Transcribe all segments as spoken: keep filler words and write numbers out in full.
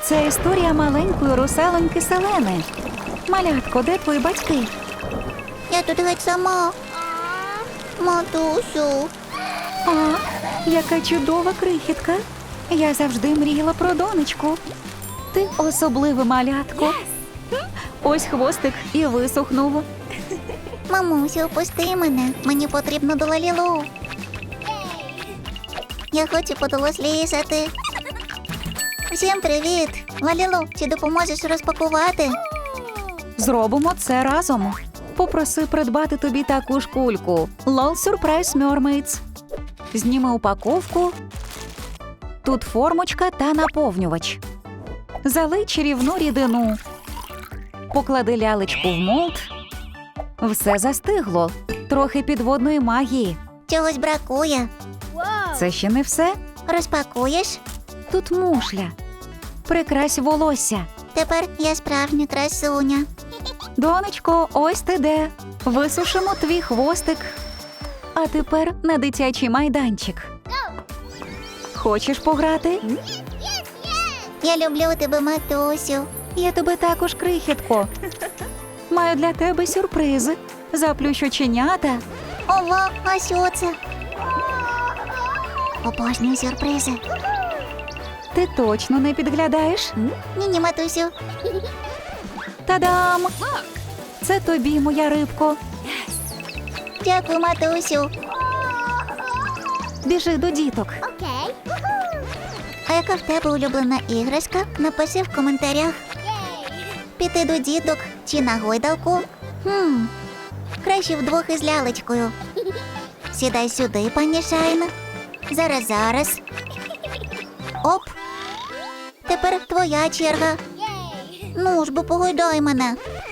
Це історія маленької русалоньки Селени. Малятко, де твої батьки? Я тут геть сама. Матусю. А, яка чудова крихітка. Я завжди мріяла про донечку. Ти особливе малятко. Ось хвостик і висохнув. Мамусю, опусти мене. Мені потрібно до Лалілу. Я хочу подорослішати. Всім привіт. Лалілу, чи допоможеш розпакувати? Зробимо це разом. Попроси придбати тобі таку ж кульку. Лол Surprise Mermaids. Зніми упаковку. Тут формочка та наповнювач. Залий чарівну рідину. Поклади лялечку в молд. Все застигло. Трохи підводної магії. Чогось бракує. Це ще не все. Розпакуєш? Тут мушля. Прикрась волосся. Тепер я справжня красуня. Донечко, ось ти де. Висушимо твій хвостик. А тепер на дитячий майданчик. Хочеш пограти? Я люблю тебе, матусю. Я тебе також, крихітко. Маю для тебе сюрпризи. Заплющ оченята. Ова, а що це? Обожнюю сюрпризи. Ти точно не підглядаєш? Ні-ні, матусю. Та-дам! Це тобі, моя рибко. Дякую, матусю. Біжи до діток. А яка в тебе улюблена іграшка? Напиши в коментарях. Піти до діток чи на гойдалку? Хм, краще вдвох із лялечкою. Сідай сюди, пані Шайн. Зараз, зараз. Оп. Тепер твоя черга. Ну ж, бо погойдай мене.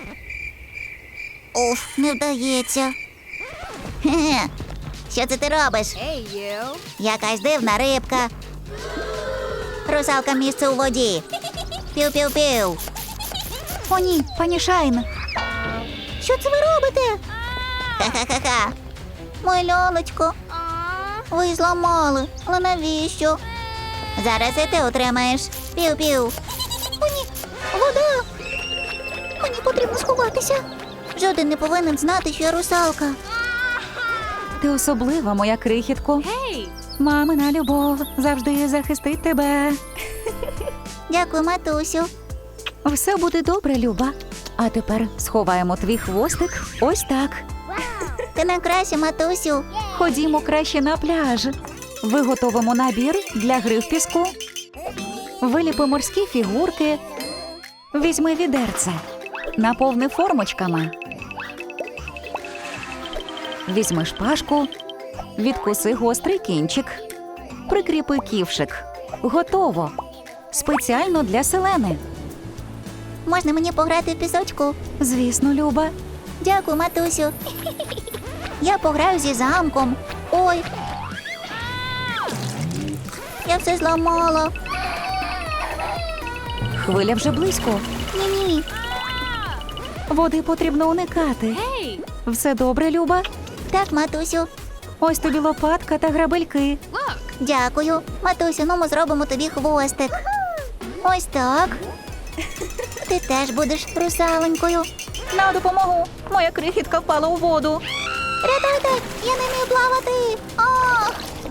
Уф, не вдається. Хе-хе. Що це ти робиш? Якась дивна рибка. Русалка місце у воді. Пів-пів-пів. О, ні, пані Шайн. Що це ви робите? Ха-ха-ха-ха. Моє лялечко. Ви її зламали. Але навіщо? Зараз і ти отримаєш. Пів-пів. О, ні. Вода. Мені потрібно сховатися. Жоден не повинен знати, що я русалка. Ти особлива, моя крихітко. Мамина любов завжди захистить тебе. Дякую, матусю. Все буде добре, Люба. А тепер сховаємо твій хвостик ось так. Ти найкраща, матусю. Ходімо краще на пляж. Виготовимо набір для гри в піску. Виліпи морські фігурки. Візьми відерце. Наповни формочками. Візьми шпажку. Відкуси гострий кінчик. Прикріпи ківшик. Готово. Спеціально для Селени. Можна мені пограти в пісочку? Звісно, Люба. Дякую, матусю. Я пограю зі замком. Ой. Я все зламала. Хвиля вже близько. Ні-ні. Води потрібно уникати. Все добре, Люба? Так, матусю. Ось тобі лопатка та грабельки. Дякую. Матусю, ну ми зробимо тобі хвостик. Ось так. Ти теж будеш русаленькою. На допомогу! Моя крихітка впала у воду. Рятуйте! Я не вмію плавати! Ах!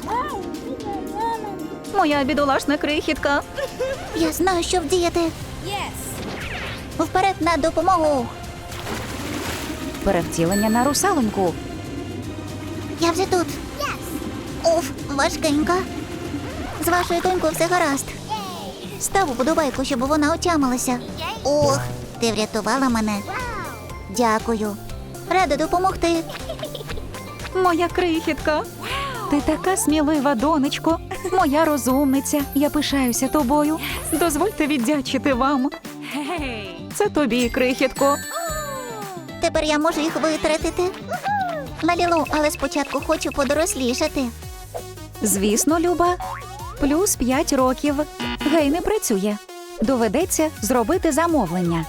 Моя бідолашна крихітка. Я знаю, що вдіяти. Вперед на допомогу. Перевтілення на русалоньку. Я вже тут. Уф, важкенька. З вашою донькою все гаразд. Став уподобайку, щоб вона отямилася. Ох, ти врятувала мене. Дякую. Рада допомогти. Моя крихітка. Ти така смілива, донечко. Моя розумниця. Я пишаюся тобою. Дозвольте віддячити вам. Це тобі, крихітко. Тепер я можу їх витратити. Лалілу, але спочатку хочу подорослішати. Звісно, Люба. Плюс п'ять років. Гей, не працює. Доведеться зробити замовлення.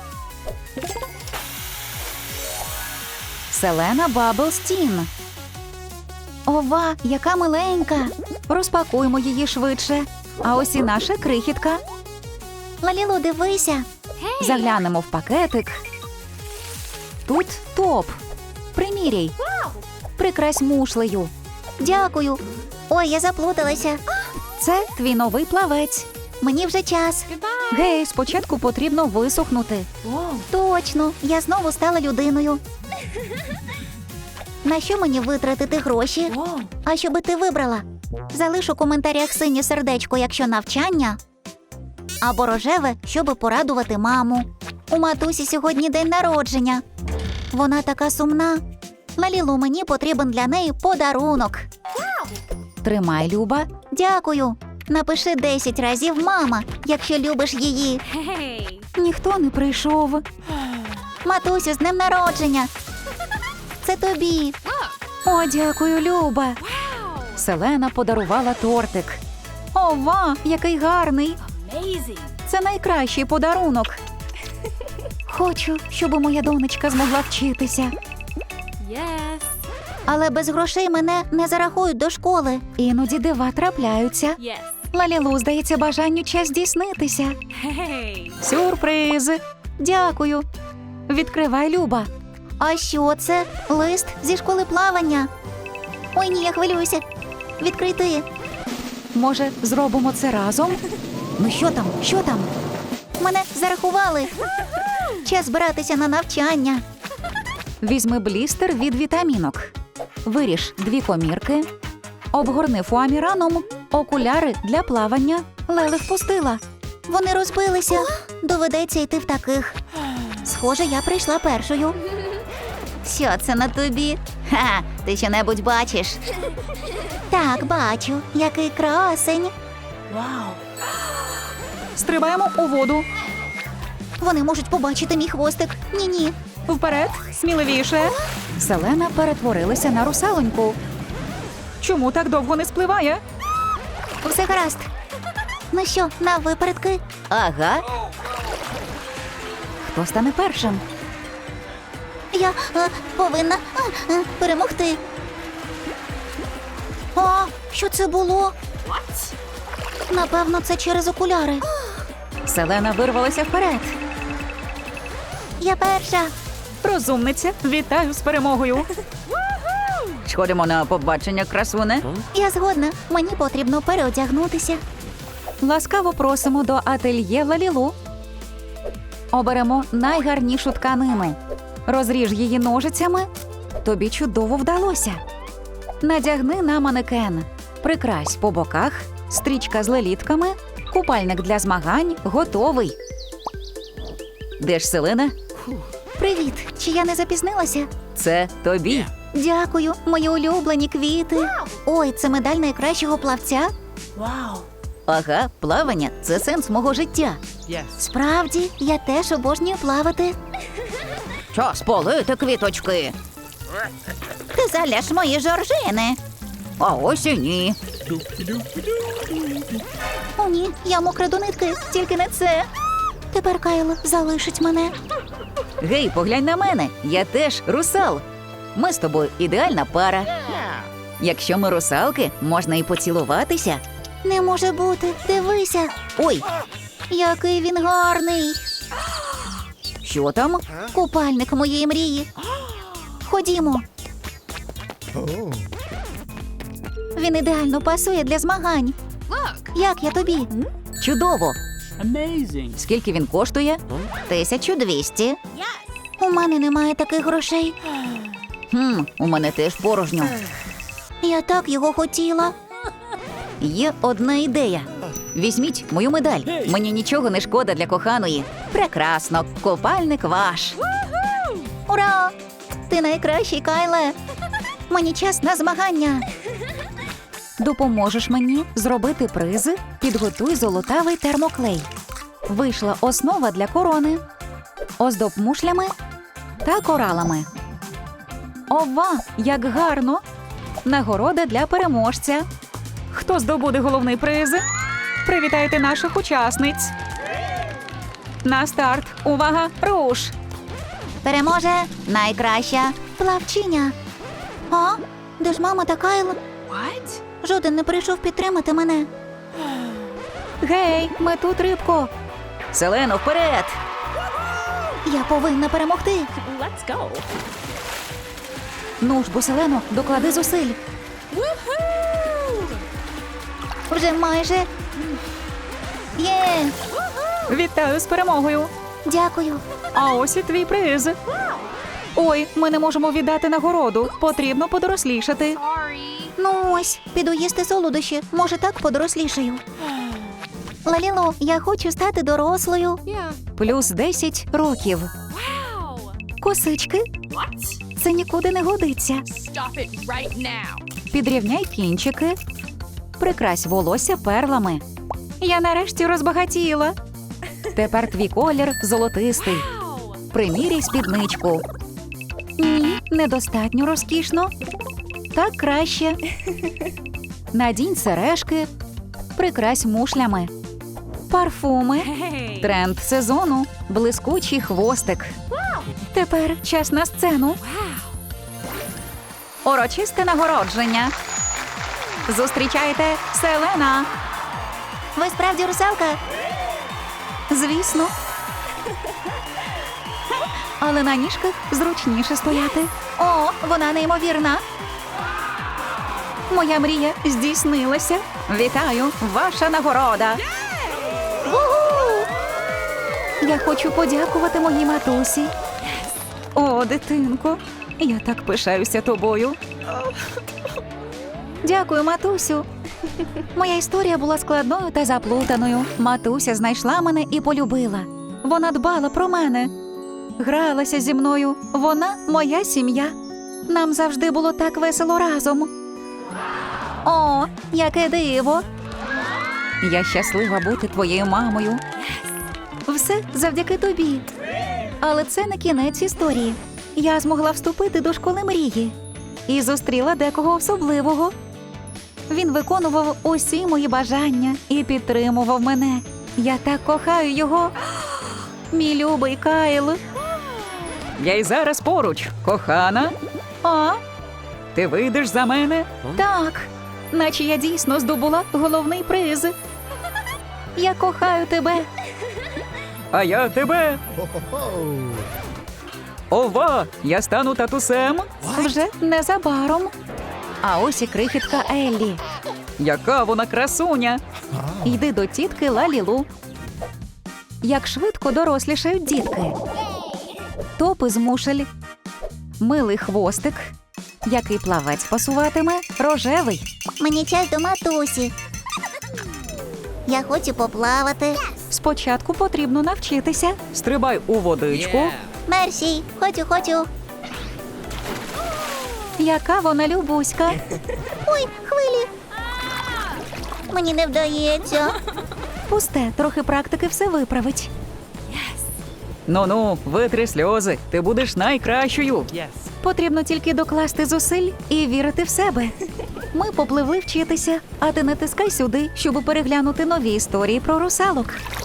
Селена Баблстін. Ова, яка миленька. Розпакуємо її швидше. А ось і наша крихітка. Лалілу, дивися. Заглянемо в пакетик. Тут топ. Приміряй. Прикрась мушлею. Дякую. Ой, я заплуталася. Це твій новий плавець. Мені вже час. Гей, спочатку потрібно висохнути. Точно, я знову стала людиною. На що мені витратити гроші? А що би ти вибрала? Залиш у коментарях синє сердечко, якщо навчання, або рожеве, щоби порадувати маму. У матусі сьогодні день народження. Вона така сумна. Лалілу, мені потрібен для неї подарунок. Тримай, Люба. Дякую. Напиши десять разів «мама», якщо любиш її. Ніхто не прийшов. Матусю, з днем народження. Це тобі. О, дякую, Люба. Селена подарувала тортик. Ова, який гарний. Це найкращий подарунок. Хочу, щоб моя донечка змогла вчитися. Але без грошей мене не зарахують до школи. Іноді дива трапляються. Лалілу, здається, бажанню час здійснитися. Сюрприз. Дякую. Відкривай, Люба. А що це? Лист зі школи плавання. Ой, ні, я хвилююся. Відкрий ти. Може, зробимо це разом? Ну що там? Що там? Мене зарахували. Час збиратися на навчання. Візьми блістер від вітамінок. Виріж дві комірки. Обгорни фуаміраном. Окуляри для плавання. Леле впустила. Вони розбилися. Доведеться йти в таких. Схоже, я прийшла першою. Що це на тобі? Ха, ти що-небудь бачиш? Так, бачу. Який красень. Стрибаємо у воду. Вони можуть побачити мій хвостик. Ні-ні. Вперед, сміливіше. Селена перетворилася на русалоньку. Чому так довго не спливає? Все гаразд. Ну що, на випередки? Ага. Хто стане першим? Я е, повинна е, е, перемогти. А, що це було? Напевно, це через окуляри. Селена вирвалася вперед. Я перша. Розумниця, вітаю з перемогою. Сходимо на побачення, красуне. Я згодна. Мені потрібно переодягнутися. Ласкаво просимо до ательє Лалілу. Оберемо найгарнішу тканину. Розріж її ножицями. Тобі чудово вдалося. Надягни на манекен. Прикрась по боках. Стрічка з лелітками. Купальник для змагань готовий. Де ж Селена? Привіт. Чи я не запізнилася? Це тобі. Дякую, мої улюблені квіти. Ой, це медаль найкращого плавця. Ага, плавання – це сенс мого життя. Справді, я теж обожнюю плавати. Час полити квіточки. Ти заляж мої жоржини. А ось і ні. О, ні, я мокра до нитки, тільки не це. Тепер Кайл залишить мене. Гей, поглянь на мене, я теж русал. Ми з тобою ідеальна пара. Якщо ми русалки, можна і поцілуватися. Не може бути, дивися. Ой, Який він гарний. що там? Купальник моєї мрії. Ходімо. Він ідеально пасує для змагань. Як я тобі? Чудово. Amazing. Скільки він коштує? тисячу двісті. У мене немає таких грошей. Хм, у мене теж порожньо. Я так його хотіла. Є одна ідея. Візьміть мою медаль. Мені нічого не шкода для коханої. Прекрасно, купальник ваш. Ура! Ти найкращий, Кайле. Мені час на змагання. Допоможеш мені зробити призи? Підготуй золотавий термоклей. Вийшла основа для корони. Оздоб мушлями та коралами. Ова, як гарно! Нагорода для переможця. Хто здобуде головний приз? Привітайте наших учасниць. На старт. Увага, руш! Переможе найкраща плавчиня. А? Де ж мама та Кайл? Жоден не прийшов підтримати мене. Гей, ми тут, рибко. Селено, вперед! Я повинна перемогти. Let's go. Ну ж бо, Селено, доклади зусиль. Вже майже. Є! Вітаю з перемогою. Дякую. А ось і твій приз. Ой, ми не можемо віддати нагороду. Потрібно подорослішати. Ну ось, піду їсти солодощі. Може, так подорослішаю. Лалілу, я хочу стати дорослою. Yeah. Плюс десять років. Wow. Косички? What? Це нікуди не годиться. Stop it right now. Підрівняй кінчики. Прикрась волосся перлами. Я нарешті розбагатіла. Тепер твій колір золотистий. Wow. Приміряй спідничку. Ні, недостатньо розкішно. Так краще. Надінь сережки. Прикрась мушлями. Парфуми. Hey. Тренд сезону. Блискучий хвостик. Тепер час на сцену. Урочисте нагородження. Зустрічайте Селена. Ви справді русалка? Звісно. Але на ніжках зручніше стояти. О, вона неймовірна. Моя мрія здійснилася. Вітаю, ваша нагорода. Ву-ху! Я хочу подякувати моїй матусі. О, дитинко, я так пишаюся тобою. Дякую, матусю. Моя історія була складною та заплутаною. Матуся знайшла мене і полюбила. Вона дбала про мене. Гралася зі мною. Вона моя сім'я. Нам завжди було так весело разом. О, яке диво. Я щаслива бути твоєю мамою. Все завдяки тобі. Але це не кінець історії. Я змогла вступити до школи мрії і зустріла декого особливого. Він виконував усі мої бажання і підтримував мене. Я так кохаю його. Мій любий Кайл. Я й зараз поруч, кохана. А? Ти вийдеш за мене? Так. Наче я дійсно здобула головний приз. Я кохаю тебе. А я тебе. Ова, я стану татусем. Вже незабаром. А ось і крихітка Еллі. Яка вона красуня. Йди до тітки Лалілу. Як швидко дорослішають дітки. Топи з мушель. Милий хвостик. Який плавець пасуватиме? Рожевий. Мені час до матусі. Я хочу поплавати. Спочатку потрібно навчитися. Стрибай у водичку. Yeah. Мерсі, хочу, хочу. Яка вона любуська. Ой, хвилі. Мені не вдається. Пусте, трохи практики все виправить. Ну-ну, витри сльози. Ти будеш найкращою. Yes. Потрібно тільки докласти зусиль і вірити в себе. Ми попливли вчитися, а ти натискай сюди, щоб переглянути нові історії про русалок.